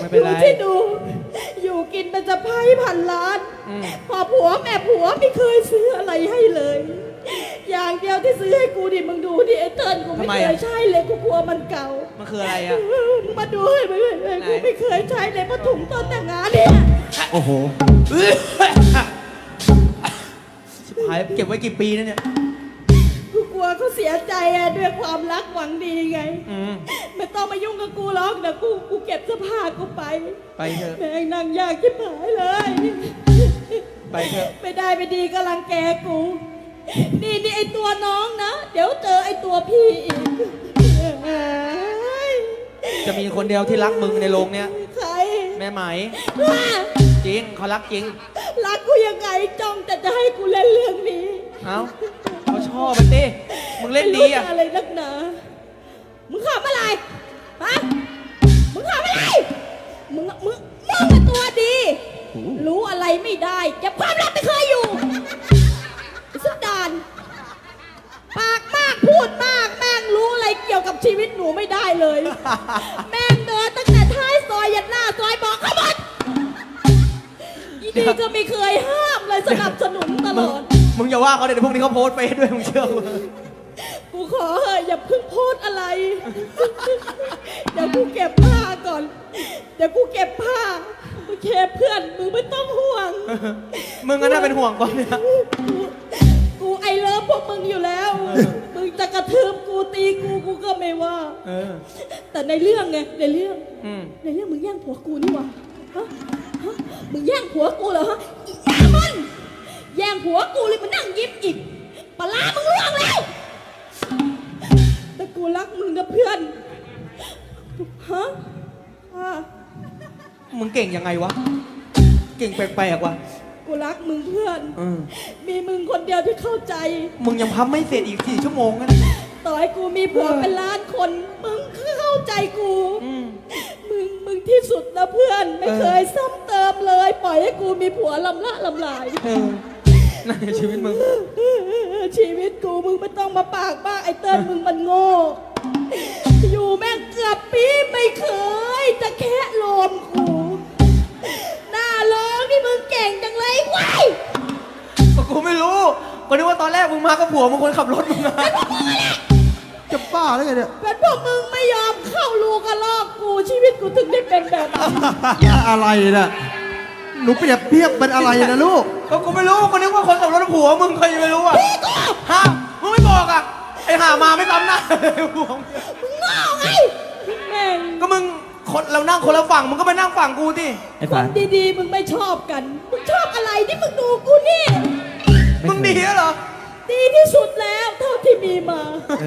ไม่เป็นไรที่ดูอยู่กินเป็นสะพ้ายพันล้านพอผัวแม่ผัวไม่เคยซื้ออะไรให้เลย อย่างเดียวที่ซื้อให้กูดิมึงดูดิไอ้เติ้ลกูไม่เคยใช้เลยกูกลัวมันเก่ามันคืออะไรอ่ะมึงมาดูให้มึงกูไม่เคยใช้เลยผ้าถุงตอนแต่งงานเนี่ยโอ้โหชิบหายเก็บไว้กี่ปีนะเนี่ยกูกลัวเขาเสียใจอะด้วยความรักหวังดีไงไม่ต้องมายุ่งกับกูหรอกเดี๋ยวกูเก็บเสื้อผ้ากูไปเถอะแม่งนั่งยากที่ผายเลยไปเถอะไม่ได้ไม่ดีก็รังแกกูนี่ไอตัวน้องนะเดี๋ยวเจอไอตัวพี่อีกจะมีคนเดียวที่รักมึงในโรงเนี้ยใครแม่ไหมจริงเขารักจริงรักกูยังไงจ้องแต่จะให้กูเล่นเรื่องนี้เอ้าเขาชอบมันดิมึงเล่นดีอะอะไรนักหนามึงขำอะไรฮะมึงขำอะไรมึงเป็นตัวดีรู้อะไรไม่ได้เก็บความลับไม่เคยอยู่สุดดานปากมากพูดมากแม่งรู้อะไรเกี่ยวกับชีวิตหนูไม่ได้เลยแม่งเดินตั้งแต่ท้ายซอยยันหน้าซอยบอกเขาหมดอีดีก็ไม่เคยห้ามเลยสนับสนุนตลอดมึงอย่าว่าเขาเดี๋ยวพวกนี้เขาโพสเฟซด้วยมึงเชื่อกูขอเถอะอย่าเพิ่งโพสอะไรเดี๋ยวกูเก็บผ้าก่อนเดี๋ยวกูเก็บผ้าโอเคเพื่อนมึงไม่ต้องห่วงมึงก็น่าเป็นห่วงก่อนเนี่ยกูไอเลิฟพวกมึงอยู่แล้วมึงจะกระทืบกูตีกูก็ไม่ว่าแต่ในเรื่องไงในเรื่องมึงแย่งผัวกูนี่วะฮะมึงแย่งผัวกูเหรอฮะอีแย่มันแย่งผัวกูเลยมานั่งยิ้มอีกปลามึงล่วงแล้วแต่กูรักมึงนะเพื่อนฮะมึงเก่งยังไงวะเก่งแปลกๆวะกูรักมึงเพื่อนมีมึงคนเดียวที่เข้าใจมึงยังพับไม่เสร็จอีก4 ชั่วโมงกันต่อให้กูมีผัวเป็นล้านคนมึงเข้าใจกูมึงที่สุดนะเพื่อนไม่เคยซ้ำเติมเลยปล่อยให้กูมีผัวลำละลำลายนั่นชีวิตมึงชีวิตกูมึงไม่ต้องมาปากบ้าไอ้เติ้ลมึงมันโง่อยู่แม่งเกือบปีไม่เคยจะแค่ลมกูหน้าร้องนี่มึงเก่งจังเลยว้ายกูไม่รู้ก็นึกว่าตอนแรกมึงมากับผัวมึงคนขับรถมึงมาจะบ้าแล้วไงเนี่ยเป็นพวกมึงไม่ยอมเข้ารูกระลอกกูชีวิตกูถึงได้เป็นแบบนี้อะไรน่ะหนูเปรียบเทียบเป็นอะไรนะลูกก็กูไม่รู้ก็นึกว่าคนขับรถผัวมึงเคยไม่รู้อ่ะฮะมึงไม่บอกอ่ะไอ้ห่ามาไม่ซ้ำหน้าผัวมึงงอไงแม่งก็มึงคนเรานั่งคนละฝั่งมึงก็ไปนั่งฝั่งกูดิคนดีๆมึงไม่ชอบกันมึงชอบอะไรที่มึงดูกูนี่มึงดีเหรอดีที่สุดแล้วเท่าที่มีมา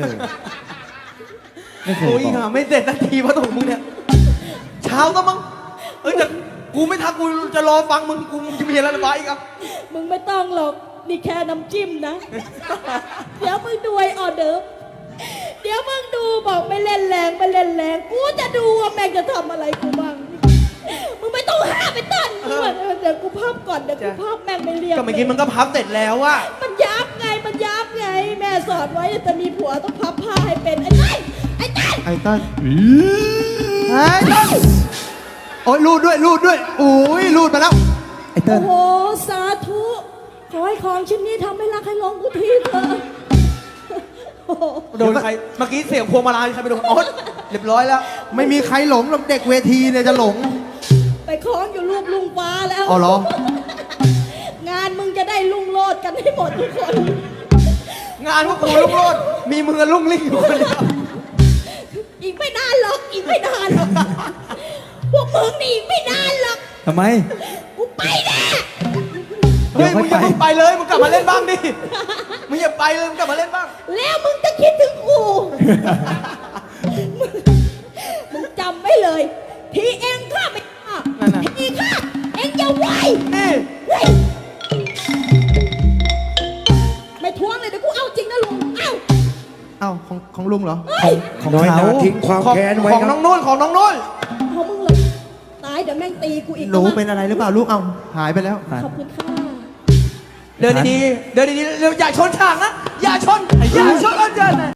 โอ้ยห่าไม่เสร็จนาทีเพราะถูกมึงเนี่ยเช้าก็มั้งแต่กูไม่ทักกูจะรอฟังมึงกูจะมีอะไรระบายอีกอ่ะมึงไม่ต้องหรอกนี่แค่น้ำจิ้มนะเดี๋ยวมึงดูไอออเดอร์เดี๋ยวมึงดูบอกไม่เล่นแรงกูจะดูว่าแม่งจะทำอะไรกูบ้างมึงไม่ต้องห้ามไปต้นเดี๋ยวกูพับก่อนเดี๋ยวกูพับแม่งไม่เรียบก็เมื่อกี้มึงก็พับเสร็จแล้วอะมันยับไงแม่สอนไว้จะมีผัวต้องพับผ้าให้เป็นไอ้ต้นโอ้ยรูดด้วยโอ้ยรูดมาแล้วไอ้เติ้ลโอ้โหสาธุขอให้ของชิ้นนี้ทำให้รักให้ลงกูทีเถอะโดนใครเมื่อกี้เสียงพวงมาลัยใครไปโดนอ๋อเรียบร้อยแล้วไม่มีใครหลงหรอกเด็กเวทีเนี่ยจะหลงไปคล้องอยู่รูปลุงฟ้าแล้วอ๋อเหรองานมึงจะได้ลุงโลดกันให้หมดทุกคนงานพวกกูลุงโลดมีมือลุงลิ่งอยู่คนเดียวอีกไม่นานหรอกพวกมึงนี่อีกไม่นานหรอกทำไมกูไปแน่เฮ้ยมึงอย่าไปเลยมึงกลับมาเล่นบ้างดิมึงอย่าไปเลยมึงกลับมาเล่นบ้างแล้วมึงจะคิดถึงกูมึงจำไว้เลยทีเองข้าไม่ฆ่าทีข้าเองอย่าไหวไม่ทวงเลยเดี๋ยวกูเอาจริงนะลุงเอ้าของลุงเหรอของน้อยนาทิ้งความแค้นไว้ของน้องนุ่นของมึงเลยตายเดี๋ยวแม่งตีกูอีกหนูเป็นอะไรหรือเปล่าลูกเอาหายไปแล้วขอบคุณค่ะเดินดีๆอย่าชนฉากนะอย่าชนอาจารย์